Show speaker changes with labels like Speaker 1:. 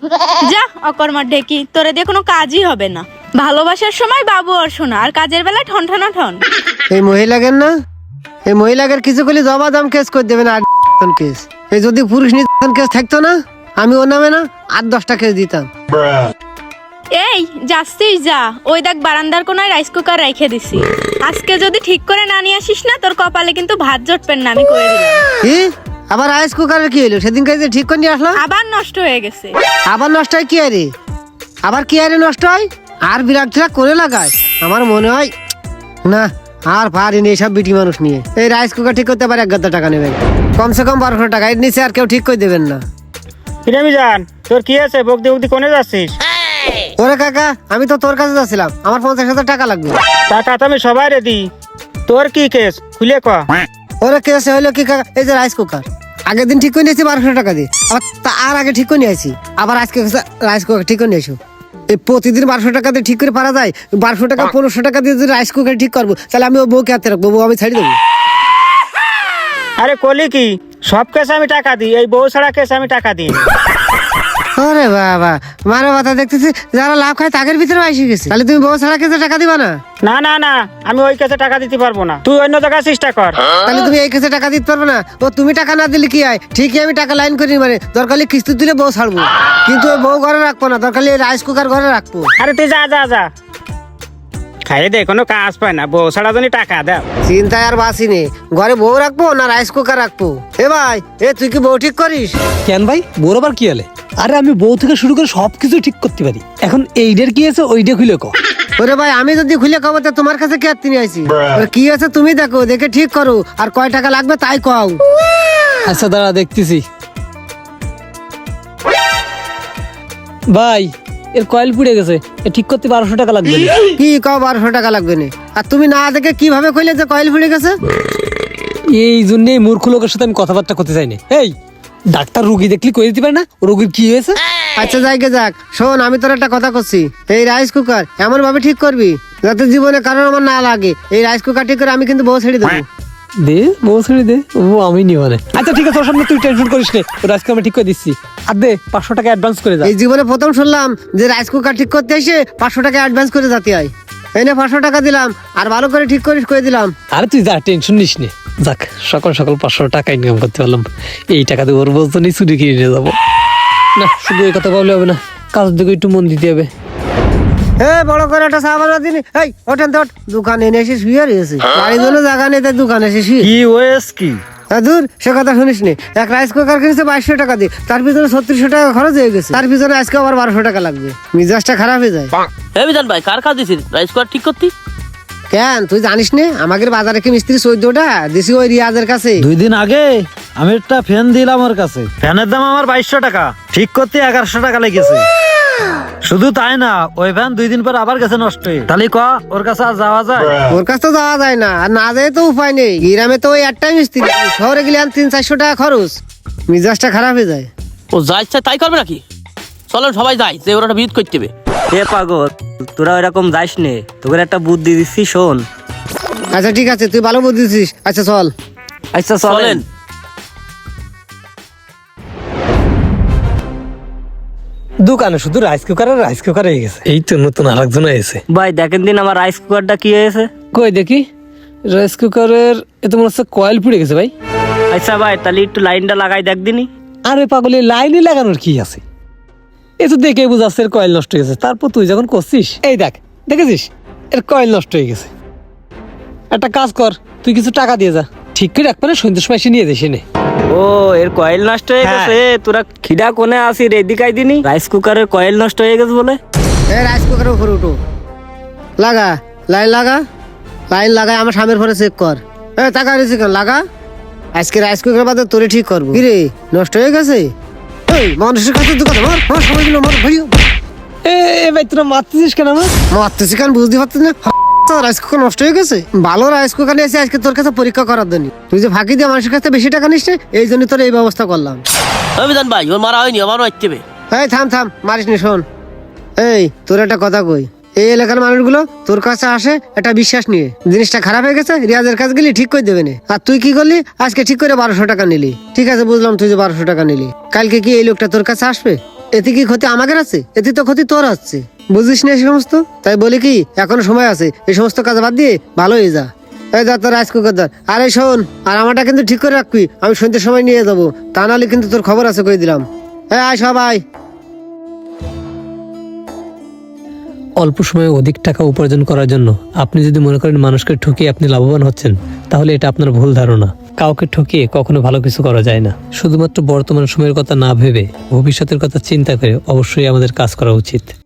Speaker 1: যা অকর্মার ঢেকি, তোরে দিয়ে কোনো কাজই হবে না। ভালোবাসার সময় বাবু আর শোনা, আর কাজের বেলায় ঠন ঠন ঠন।
Speaker 2: এই মহিলাগের না, এই মহিলাগের কিছু করলে জবা দাম কেস করে দেবে না। কেস এই যদি পুরুষ নির্যাতন কেস থাকতো না, আমি ওর নামে না 8-10টা কেস দিতাম।
Speaker 1: এই যাচ্ছিস যা, ওই দেখ বারান্দার কোনায় রাইস কুকার রেখে দিছি। আজকে যদি ঠিক করে না নিয়ে আসিস না, তোর কপালে কিন্তু ভাত জটবেন না, আমি কয়ে দিলাম।
Speaker 2: কি আবার রাইস কুকারের কি হলো? সেদিন কাজে ঠিক করে নিয়ে আসলাম,
Speaker 1: আবার নষ্ট হয়ে গেছে।
Speaker 2: আবার নষ্ট হয় কি আরে? আবার কি আরে নষ্ট হয়? আর বিরাট টিরাক করে লাগায়। আমার মনে হয় না আর পারিনি এইসব বিটি মানুষ নিয়ে। এই রাইস কুকার ঠিক করতে পারে 1,000 টাকা নেবেন, কমসে কম 1200 টাকা। এর নিচে আর কেউ ঠিক করে দেবেন না।
Speaker 3: কিরামি জান, তোর কি আছে? বকদি বকদি কোনে যাচ্ছিস?
Speaker 2: ওরে কাকা, আমি তো তোর কাছে যাচ্ছিলাম, আমার 50,000 টাকা লাগবে।
Speaker 3: টাকা তো আমি সবাই রেডি। তোর কি কেস খুলে ক।
Speaker 2: ওরে কেসে হইলো কি কাকা, এই যে রাইস কুকার আগের দিন ঠিক করে নিয়েছি 1200 টাকা দিয়ে, আবার তার আগে ঠিক করে নিয়ে আসি, আবার আজকে রাইস কুকার ঠিক করে নিয়ে এসো। এই প্রতিদিন 1200 টাকা দিয়ে ঠিক করে পারা যায়? 1200 টাকা 1500 টাকা দিয়ে যদি রাইস কুকার ঠিক করবো, তাহলে আমি ও বউকে হাতে রাখবো, বউ আমি ছাড়ি দেবো।
Speaker 3: আরে কলি কি, সব কেসে আমি টাকা দিই, এই বউ ছাড়া কেসে আমি টাকা দিই।
Speaker 2: ওরে বাবা, মারো কথা দেখতেছি যারা লাভ খায় তাদের ভিতরে এসে গেছে। তাহলে তুমি বউ ছাড়া কেসে টাকা দিবা না?
Speaker 3: না না না, আমি ওই কেসে টাকা দিতে পারবো না, তুই অন্য জায়গায় চেষ্টা কর।
Speaker 2: তাহলে তুমি এই কেসে টাকা দিতে পারবে না? ও তুমি টাকা না দিলে কি হয়? ঠিকই আমি টাকা লাইন করি, মানে দরকার হলে কিস্তি দিলে বউ ছাড়বো, কিন্তু ওই বউ ঘরে রাখবো না, দরকার হলে রাইস কুকার ঘরে রাখবো।
Speaker 3: আরে তুই যা যা যা, খাইয়ে দে, কোনো কাজ পায় না, বউ ছাড়া জন্য টাকা দাও।
Speaker 2: চিন্তায় আর বাসি নেই, ঘরে বউ রাখবো না রাইস কুকার রাখবো? এ ভাই, এ তুই কি বউ ঠিক করিস?
Speaker 4: কেন ভাই, বউর আবার কি হলে? আরে আমি বউ থেকে শুরু করে সবকিছু ঠিক করতে পারি। এখন এইটার কি আছে ওইটা খুলে ক।
Speaker 2: ওরে ভাই, আমি যদি খুলে খাবো তা তোমার কাছে কে আত্মীয় আইছি? ওরে কি আছে তুমি দেখো, দেখে ঠিক করো, আর কয় টাকা লাগবে তাই কও।
Speaker 4: আচ্ছা দাঁড়া দেখতেছি। ভাই এর কয়েল পুড়ে গেছে, এ ঠিক করতে 1200 টাকা লাগবে।
Speaker 2: কি কও 1200 টাকা লাগবে না? আর তুমি না দেখে কিভাবে কইলে যে কয়েল ফুলে গেছে?
Speaker 4: এই জন্যই মূর্খ লোকের সাথে আমি কথাবার্তা করতে চাই না। এই ডাক্তার রুগী দেখলি কই দিতে পারে না রোগীর কি হয়েছে?
Speaker 2: আচ্ছা যাইগে যাক, শোন আমি তোর একটা কথা করছি, এই রাইস কুকার এমন ভাবে ঠিক করবি যাতে জীবনে কারণ আমার না লাগে। এই রাইস কুকার ঠিক করে আমি কিন্তু বউ ছেড়ে দেবো।
Speaker 4: দে বউ ছেড়ে দে, ও আমি নিব না। আচ্ছা ঠিক আছে, তোর সামনে তুই টেনশন করিস না, তোর আজকে আমি ঠিক করে দিচ্ছি। আর দে 500 টাকা অ্যাডভান্স করে যা।
Speaker 2: এই জীবনে প্রথম শুনলাম যে রাইস কুকার ঠিক করতে এসে 500 টাকা অ্যাডভান্স করে যেতে হয়। এনে 500 টাকা দিলাম, আর ভালো করে ঠিক করিস করে দিলাম।
Speaker 4: আরে তুই যা, টেনশন নিস নে। যাক সকাল সকাল 500 টাকা ইনকাম করতে পারলাম। এই টাকা দিয়ে ওর বলতো নি চুরি কিনে নিয়ে যাবো না। শুধু এই কথা বললে হবে না, কাজের দিকে একটু মন দিতে হবে।
Speaker 2: বড় করে একটা চা বানা দিনি। এই ওঠেন তো, দোকানে এনে এসে শুয়ে রয়েছে, বাড়ির জন্য জায়গা নেই তাই দোকানে এসে শুয়ে।
Speaker 3: কি ওয়েস কি?
Speaker 2: দূর, সে কথা শুনিস নি। এক রাইস কুকার কিনেছে 2200 টাকা দিয়ে, তার পিছনে 3600 টাকা খরচ হয়ে গেছে, তার পিছনে আজকে আবার 1200 টাকা লাগবে। মিজাজটা খারাপ হয়ে যায়।
Speaker 5: বিধান ভাই, কার কাজ দিছিস রাইস কুকার ঠিক করতি?
Speaker 2: কেন তুই জানিস না আমাদের বাজারে কি মিস্ত্রি 14টা দিছি ওই রিয়াজের কাছে?
Speaker 6: 2 দিন আগে আমি একটা ফ্যান দিলাম ওর কাছে, ফ্যানের দাম আমার 2200 টাকা, ঠিক করতে 1100 টাকা লেগেছে। শুধু তাই না, ওই ফ্যান 2 দিন পর আবার গেছে নষ্ট হয়ে। তাহলে ক ওর কাছে আর যাওয়া যায়?
Speaker 2: ওর কাছে তো যাওয়া যায় না, আর না যায় তো উপায় নেই। গ্রামে তো ওই একটাই মিস্ত্রি, শহরে গেলে 300-400 টাকা খরচ। মিজাজটা খারাপ হয়ে যায়।
Speaker 5: ও যা ইচ্ছা তাই করবে নাকি? চলো সবাই যাই, যে ওরা বিদ করতে হবে।
Speaker 7: এ পাগল, তোরা ওইরকম যাইস নে, তোকে একটা বুদ্ধি দিচ্ছি, শোন।
Speaker 2: আচ্ছা ঠিক আছে, তুই ভালো বুঝেছিস। আচ্ছা চল।
Speaker 7: আচ্ছা
Speaker 5: চলেন।
Speaker 7: চলেন।
Speaker 4: দোকানে শুধু রাইস কুকার আর রাইস কুকার হয়ে গেছে। এই তো নতুন আরেকজন এসে।
Speaker 7: ভাই দেখেন দিন আমার রাইস কুকারটা কি হয়েছে।
Speaker 4: কই দেখি রাইস কুকারের, এ তো মনে হচ্ছে কয়েল পুড়ে গেছে ভাই।
Speaker 7: আচ্ছা ভাই, তাহলে একটু লাইনটা লাগাই দেখ দিনি।
Speaker 4: আরে পাগলে লাইনে লাগানোর কি আছে? এ তো দেখে বুঝাচ্ছে এর কয়েল নষ্ট হয়ে গেছে। তারপর তুই যখন করছিস, এই দেখ দেখেছিস এর কয়েল নষ্ট হয়ে গেছে। একটা কাজ কর, তুই কিছু টাকা দিয়ে যা, ঠিক করে রাখবে না, সন্ধ্যের সময় এসে নিয়ে যাস এনে।
Speaker 7: ও এর কয়েল নষ্ট হয়ে
Speaker 4: হ্যাঁ।
Speaker 7: গেছে, তোরা খিদা কোনে আসি রেদিকাই দিনি। রাইস কুকারের কয়েল নষ্ট হয়ে গেছে বলে।
Speaker 2: এই রাইস কুকারের উপরে উঠো, লাগা লাইন লাগা, লাইন লাগাই আমার সামনের ফোনে চেক কর। টাকা রয়েছে কেন লাগা, আজকে রাইস কুকার বাদে তোরে ঠিক করবো। কিরে নষ্ট হয়ে গেছে? এই মানুষের কাছে দোকানে মার মার, সবাই মিলে মার ভাইও।
Speaker 4: এ ভাই তোরা মারতেছিস কেন আমার?
Speaker 2: মারতেছি কেন বুঝতে পারছিস না? রাইস কুকার নষ্ট হয়ে গেছে। ভালো রাইস কুকার নিয়ে এসে আজকে তোর কাছে পরীক্ষা করার জন্য। তুই যে ফাঁকি দিয়ে মানুষের কাছে বেশি টাকা নিস, এই জন্য তোর এই ব্যবস্থা করলাম।
Speaker 5: বিধান ভাই, ওর মারা হয়নি, আমারও আসতে হবে।
Speaker 2: এই থাম থাম, মারিস নি, শোন। এই তোর একটা কথা কই, এই এলাকার মানুষগুলো তোর কাছে আসে একটা বিশ্বাস নিয়ে। জিনিসটা খারাপ হয়ে গেছে, রিয়াজের কাছে গেলি ঠিক করে দেবে না। আর তুই কি করলি, আজকে ঠিক করে 1200 টাকা নিলি। ঠিক আছে বুঝলাম তুই যে 1200 টাকা নিলি, কালকে কি এই লোকটা তোর কাছে আসবে? এতে কি ক্ষতি আমাদের আছে? এতে তো ক্ষতি তোর হচ্ছে, বুঝিস না এই সমস্ত। তাই বলি কি, এখনো সময় আছে, এই সমস্ত কাজ বাদ দিয়ে ভালো হয়ে যা। এই যা তোর রাইস কুকার ধর। আরে শোন, আর আমারটা কিন্তু ঠিক করে রাখবি, আমি সন্ধ্যের সময় নিয়ে যাবো, তা নাহলে কিন্তু তোর খবর আছে কই দিলাম। হ্যাঁ আয় সবাই।
Speaker 4: অল্প সময়ে অধিক টাকা উপার্জন করার জন্য আপনি যদি মনে করেন মানুষকে ঠকিয়ে আপনি লাভবান হচ্ছেন, তাহলে এটা আপনার ভুল ধারণা। কাউকে ঠকিয়ে কখনো ভালো কিছু করা যায় না। শুধুমাত্র বর্তমান সময়ের কথা না ভেবে ভবিষ্যতের কথা চিন্তা করে অবশ্যই আমাদের কাজ করা উচিত।